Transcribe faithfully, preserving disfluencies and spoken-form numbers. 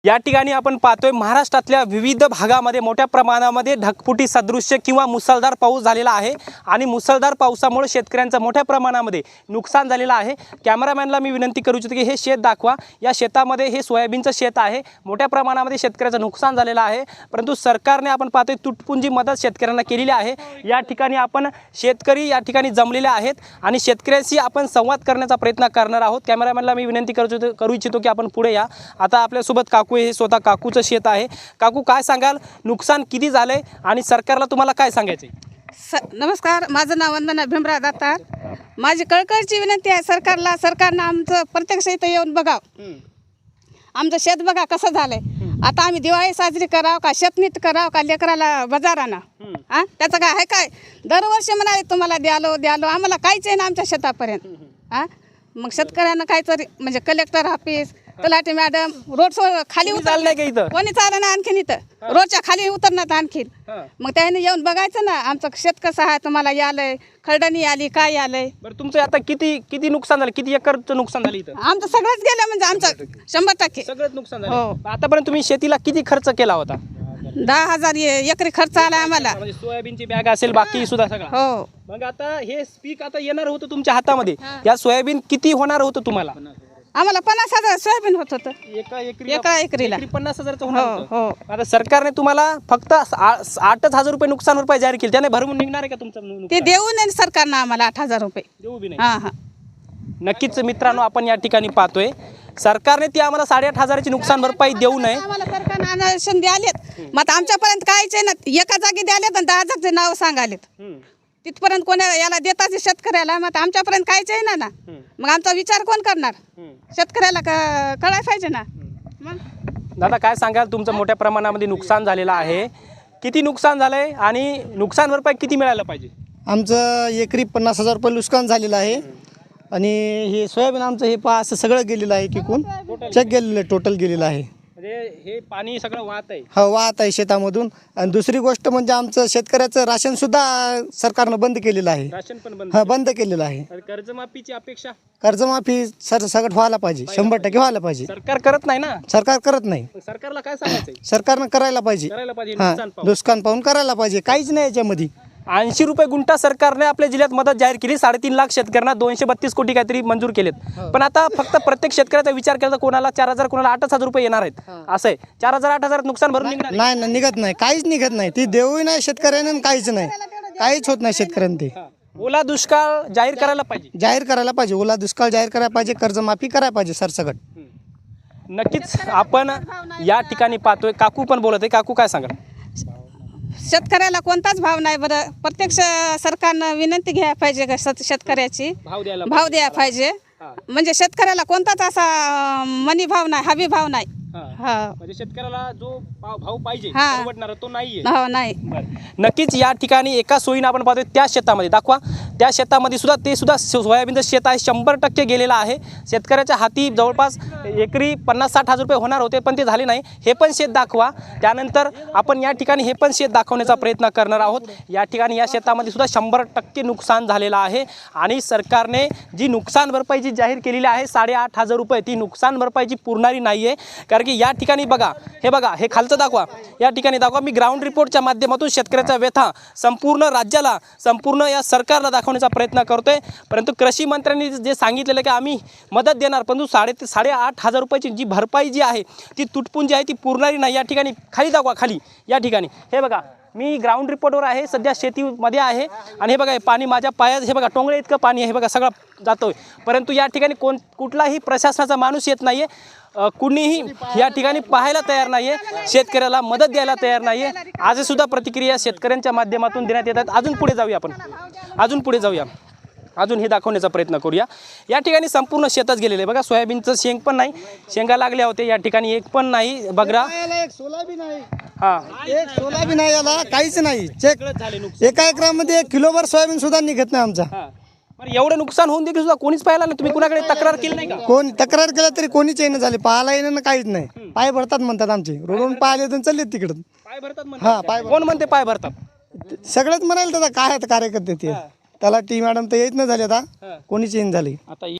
या ठिकाणी आपण पाहतोय महाराष्ट्रातल्या विविध भागामध्ये मोठ्या प्रमाणामध्ये ढगफुटी सदृश्य किंवा मुसळधार पाऊस झालेला आहे आणि मुसळधार पावसामुळे शेतकऱ्यांचं मोठ्या प्रमाणामध्ये नुकसान झालेलं आहे। कॅमेरामॅनला मी विनंती करू इच्छितो की हे शेत दाखवा। या शेतामध्ये हे सोयाबीनचं शेत आहे। मोठ्या प्रमाणामध्ये शेतकऱ्याचं नुकसान झालेलं आहे, परंतु सरकारने आपण पाहतोय तुटपुंजी मदत शेतकऱ्यांना केलेली आहे। या ठिकाणी आपण शेतकरी या ठिकाणी जमलेले आहेत आणि शेतकऱ्यांशी आपण संवाद करण्याचा प्रयत्न करणार आहोत। कॅमेरामॅनला मी विनंती करू करू इच्छितो की आपण पुढे या। आता आपल्यासोबत काकू हे स्वतः काकूचं शेत आहे। काकू, काय सांगाल, नुकसान किती झाले आणि सरकारला तुम्हाला काय सांगायचं आहे? नमस्कार, माझं नाव वंदना भीमराव दातार। माझी कळकळीची विनंती आहे सरकारला, सरकारनं आमचं प्रत्यक्ष इथं येऊन बघावं, आमचं शेत बघा कसं झालंय। आता आम्ही दिवाळी साजरी करावं का, शेतनीट करावं का, लेकराला बाजार आणा, हां त्याचं काय आहे? काय दरवर्षी म्हणाले तुम्हाला द्यालो द्यालो, आम्हाला काहीच आहे ना आमच्या शेतापर्यंत। हां मग शेतकऱ्यांना काहीतरी म्हणजे कलेक्टर ऑफिस, तलाठी मॅडम, रोड खाली उतर नाही का इथं कोणी चाललं ना आणखीन, इथं रोडच्या खाली उतरणार आणखीन। मग त्याने येऊन बघायचं ना आमचं शेत कसं आहे, तुम्हाला यालंय खरडणी आली काय आलंय। बरं, तुमचं आता किती किती नुकसान झालं, किती एकरचं नुकसान झालं इथं? आमचं सगळंच गेलं म्हणजे आमचं शंभर टक्के सगळंच नुकसान हो। झालं। आतापर्यंत तुम्ही शेतीला किती खर्च केला होता? दहा हजार ए- एकरी खर्च आला आम्हाला। म्हणजे सोयाबीनची बॅग असेल, बाकी सुद्धा सगळं? हो। मग आता हे पीक आता येणार होतं तुमच्या हातामध्ये, या सोयाबीन किती होणार होतं तुम्हाला? आम्हाला पन्नास हजार सोयाबीन होत होतं एका एकरी एका एकरीला। एकरी पन्नास हजारचं होणार हो होतं। हो। आता सरकारने तुम्हाला फक्त आ- आठच हजार रुपये नुकसान भरपाई जाहीर केली, त्याने भरून निघणार आहे का तुमचं नुकसान? ते देऊ नये सरकारनं आम्हाला आठ हजार रुपये। देऊ बी नाही? हां हां नक्कीच मित्रांनो, आपण या ठिकाणी पाहतोय सरकारने ती आम्हाला साडेआठ हजाराची नुकसान भरपाई देऊ नये। आम्हाला सरकारनं आनंद द्यालेत, मग आता आमच्यापर्यंत काहीच आहे ना, एका जागी द्यालेत आणि दहा जागचे नाव सांगालेत। तिथपर्यंत कोणा याला देतात शेतकऱ्याला, मग आमच्यापर्यंत काहीच आहे ना ना मग आमचा विचार कोण करणार? शेतकऱ्याला कळायला पाहिजे ना। मग दादा, काय सांगाल, तुमचं मोठ्या प्रमाणामध्ये नुकसान झालेलं आहे, किती नुकसान झालंय आणि नुकसान भरपाई किती मिळायला पाहिजे? आमचं एकरी पन्नास हजार रुपये नुकसान झालेलं आहे आणि हे सोयाबीन आमचं हे पा असं सगळं गेलेलं आहे, किकून चेक गेलेलं आहे, टोटल गेलेलं आहे। म्हणजे हे पाणी सगळं वाहत आहे? हा वाहत आहे शेतामधून। आणि दुसरी गोष्ट म्हणजे आमचं शेतकऱ्याचं राशन सुद्धा सरकारनं बंद केलेलं आहे। राशन पण बंद? हा बंद केलेलं आहे। तर कर्जमाफीची अपेक्षा? कर्जमाफी सर सगळं व्हायला पाहिजे, शंभर टक्के व्हायला पाहिजे। सरकार करत नाही ना? सरकार करत नाही। मग सरकारला काय सांगायचंय? सरकारनं करायला पाहिजे, करायला पाहिजे हा नुकसान पाहून. नुकसान पाहून करायला पाहिजे, काहीच नाही याच्यामध्ये। ऐंशी रुपये गुंठा सरकारने आपल्या जिल्ह्यात मदत जाहीर केली, साडेतीन लाख शेतकऱ्यांना दोनशे बत्तीस कोटी काहीतरी मंजूर केलेत। पण आता फक्त प्रत्येक शेतकऱ्याचा विचार केला तर कोणाला चार हजार कोणाला आठ हजार रुपये येणार आहेत, असं आहे। चार हजार आठ हजार नुकसान भरून निघणार? नाही ना, निघत नाही, काहीच निघत नाही। ती देऊही नाही शेतकऱ्यांना आणि काहीच नाही, काहीच होत नाही शेतकऱ्यांना। ते ओला दुष्काळ जाहीर करायला पाहिजे? जाहीर करायला पाहिजे, ओला दुष्काळ जाहीर करायला पाहिजे, कर्जमाफी करायला पाहिजे सरसकट। नक्कीच आपण या ठिकाणी पाहतोय, काकू पण बोलत आहे। काकू, काय सांगाल? शेतकऱ्याला कोणताच भाव नाही बरं, प्रत्यक्ष सरकारनं विनंती घ्यायला पाहिजे का शेत- शेतकऱ्याची भाव द्यायला भाव द्यायला पाहिजे। म्हणजे शेतकऱ्याला कोणताच असा मनी भाव नाही, हवी भाव नाही। हा म्हणजे शेतकऱ्याला जो भाव भाव पाहिजे हा. परवडणारा तो नाहीये। भाव नाही। नक्कीच या ठिकाणी एका सोयीनं आपण पाहतोय त्या शेतामध्ये दाखवा, त्या शेतामध्ये सुद्धा ते सुद्धा सोयाबीनचं शेत आहे, शंभर टक्के गेलेलं आहे। शेतकऱ्याच्या हाती जवळपास एकरी पन्नास साठ हजार रुपये होणार होते, पण ते झाले नाही। हे पण शेत दाखवा, त्यानंतर आपण या ठिकाणी हे पण शेत दाखवण्याचा प्रयत्न करणार आहोत। या ठिकाणी या शेतामध्ये सुद्धा शंभर टक्के नुकसान झालेलं आहे आणि सरकारने जी नुकसान भरपाई जी जाहीर केलेली आहे साडेआठ हजार रुपये, ती नुकसान भरपाईची पुरणारी नाही आहे। कारण की या ठिकाणी बघा, हे बघा, हे खालचं दाखवा, या ठिकाणी दाखवा। मी ग्राउंड रिपोर्टच्या माध्यमातून शेतकऱ्याचा व्यथा संपूर्ण राज्याला, संपूर्ण या सरकारला दाखवण्याचा प्रयत्न करतोय, परंतु कृषी मंत्र्यांनी जे सांगितलेलं की आम्ही मदत देणार, परंतु साडे साडेआठ हजार रुपयाची जी भरपाई जी आहे ती तुटपुंजी आहे, ती पुरणारी नाही। या ठिकाणी खाली दाखवा, खाली या ठिकाणी हे बघा, मी ग्राउंड रिपोर्टवर आहे, सध्या शेतीमध्ये आहे आणि हे बघा, हे पाणी माझ्या पायात, हे बघा टोंगळे इतकं पाणी आहे, हे बघा सगळं जातोय, परंतु या ठिकाणी कोण कुठलाही प्रशासनाचा माणूस येत नाहीये, कुणीही या ठिकाणी पाहायला तयार नाहीये, शेतकऱ्याला मदत द्यायला तयार नाहीये। आज सुद्धा प्रतिक्रिया शेतकऱ्यांच्या माध्यमातून देण्यात येतात। अजून पुढे जाऊया आपण, अजून पुढे जाऊया, अजून हे दाखवण्याचा प्रयत्न करूया। या ठिकाणी संपूर्ण शेतच गेलेलं आहे बघा, सोयाबीनचं शेंग पण नाही, शेंगा लागल्या होते, या ठिकाणी एक पण नाही बगरा, एक सोयाबीन आहे, हा एक सोयाबीन आहे, याला काहीच नाही। चेक झाले नुकसान। एका एकरामध्ये एक किलोभर सोयाबीन सुद्धा निघत नाही आमचा। हा, बरं, एवढं नुकसान होऊन देखील सुद्धा कोणीच पाहिला नाही, तुम्ही कुणाकडे तक्रार केली नाही का? कोण तक्रार केला तरी कोणीच येणं झाले, पाहायला येणं काहीच नाही। पाय भरतात म्हणतात आमचे, रोडून पाहिले तर चालले तिकडं। पाय भरतात हा, म्हणतात? पाय कोण म्हणते पाय भरतात? सगळेच म्हणाले दादा, काय आहेत कार्यकर्ते ते, त्याला टी मॅडम तर येत नाही झाले, आता हा. कोणीच येईन झाले। आता